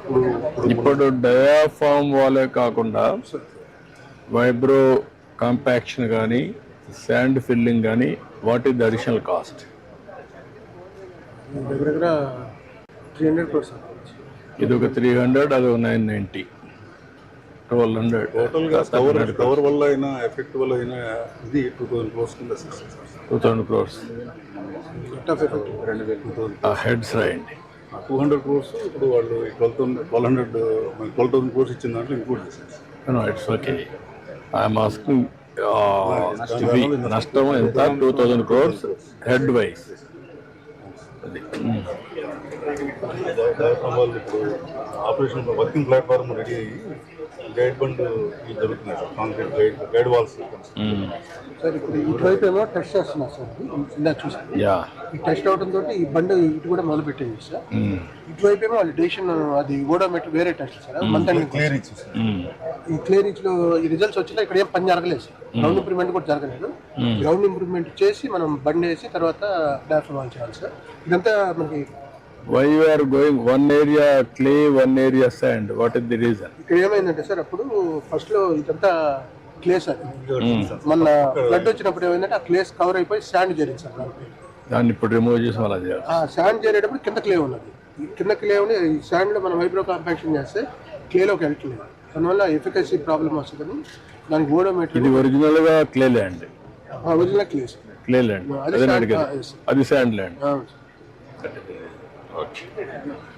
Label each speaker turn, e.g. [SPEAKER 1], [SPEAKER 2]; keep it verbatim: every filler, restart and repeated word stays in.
[SPEAKER 1] ఇప్పుడు డయాఫామ్ వాళ్ళే కాకుండా వైబ్రో కాంపాక్షన్ కానీ శాండ్ ఫిల్లింగ్ కానీ what is the additional cost?
[SPEAKER 2] దగ్గర దగ్గర త్రీ హండ్రెడ్ క్రోర్స్.
[SPEAKER 1] ఇది ఒక త్రీ హండ్రెడ్ అది ఒక నైన్ నైంటీ ట్వెల్వ్ హండ్రెడ్
[SPEAKER 3] టోటల్గా కవర్ కవర్ వల్ల అయినా ఎఫెక్ట్ వల్ల అయినా ఇది టూ థౌసండ్ క్రోర్స్ కింద
[SPEAKER 1] టూ థౌసండ్ క్రోర్స్
[SPEAKER 3] రెండు వేల టూ థౌసండ్
[SPEAKER 1] హెడ్స్ రాయండి.
[SPEAKER 3] టూ హండ్రెడ్ క్రోర్స్ ఇప్పుడు వాళ్ళు twelve thousand twelve hundred twelve thousand crores ఇచ్చిన దాంట్లో ఇంక్లూడ్ చేశారు.
[SPEAKER 1] It's okay. ఐఎమ్ ఆస్కింగ్ నష్టం ఎంత? Two thousand crores head wise. అది
[SPEAKER 3] వాళ్ళు ఇప్పుడు ఆపరేషన్ వర్కింగ్ ప్లాట్ఫామ్ రెడీ అయ్యి గైడ్ బండ్ జరుగుతున్నాయి sir, concrete guide guide walls.
[SPEAKER 2] Sir ఇప్పుడు ఇటువైపు ఏమో టెస్ట్ చేస్తున్నారు సార్, ఇందా చూసాను.
[SPEAKER 1] యా
[SPEAKER 2] ఈ టెస్ట్ అవడం తోటి ఈ బండి ఇటు కూడా మొదలు పెట్టింది సార్. ఇటువైపు ఏమో వాళ్ళు డేషన్ అది ఓడోమీటర్ వేరే test sir, month ending clear ఇచ్చి ఈ క్లియర్ ఇచ్చి లో ఈ రిజల్ట్స్ వచ్చినా ఇక్కడ ఏం పని జరగలేదు సార్. గ్రౌండ్ ఇంప్రూవ్మెంట్ కూడా జరగలేదు. గ్రౌండ్ ఇంప్రూవ్మెంట్ చేసి మనం బండి వేసి తర్వాత డాఫర్ వాల్ చేయాలి సార్. ఇదంతా మనకి
[SPEAKER 1] why you are going one area clay one area sand, what is the reason?
[SPEAKER 2] ఇక్కడ ఏమైందంటే సార్ అప్పుడు ఫస్ట్ లో ఇదంతా క్లే సార్, మన ఫ్లడ్ వచ్చినప్పుడు ఏమైందంటే ఆ క్లేస్ కవర్ అయిపోయి శాండ్ చేరింది సార్.
[SPEAKER 1] దాన్ని ఇప్పుడు రిమూవ్ చేసి అలా చేయాలి.
[SPEAKER 2] ఆ శాండ్ చేరేటప్పుడు కింద క్లే ఉన్నది, కింద క్లే ఉండి ఈ శాండ్ లో మనం వైబ్రో కాంపాక్షన్ చేస్తే క్లేలోకి వెళ్ళట్లేదు, దానివల్ల ఎఫికసీ ప్రాబ్లం వస్తుందని దానికి ఓడోమీటర్.
[SPEAKER 1] ఇది ఒరిజినల్ గా clay land,
[SPEAKER 2] original clay
[SPEAKER 1] clay land, అది శాండ్ ల్యాండ్.
[SPEAKER 2] అవును.
[SPEAKER 1] Okay.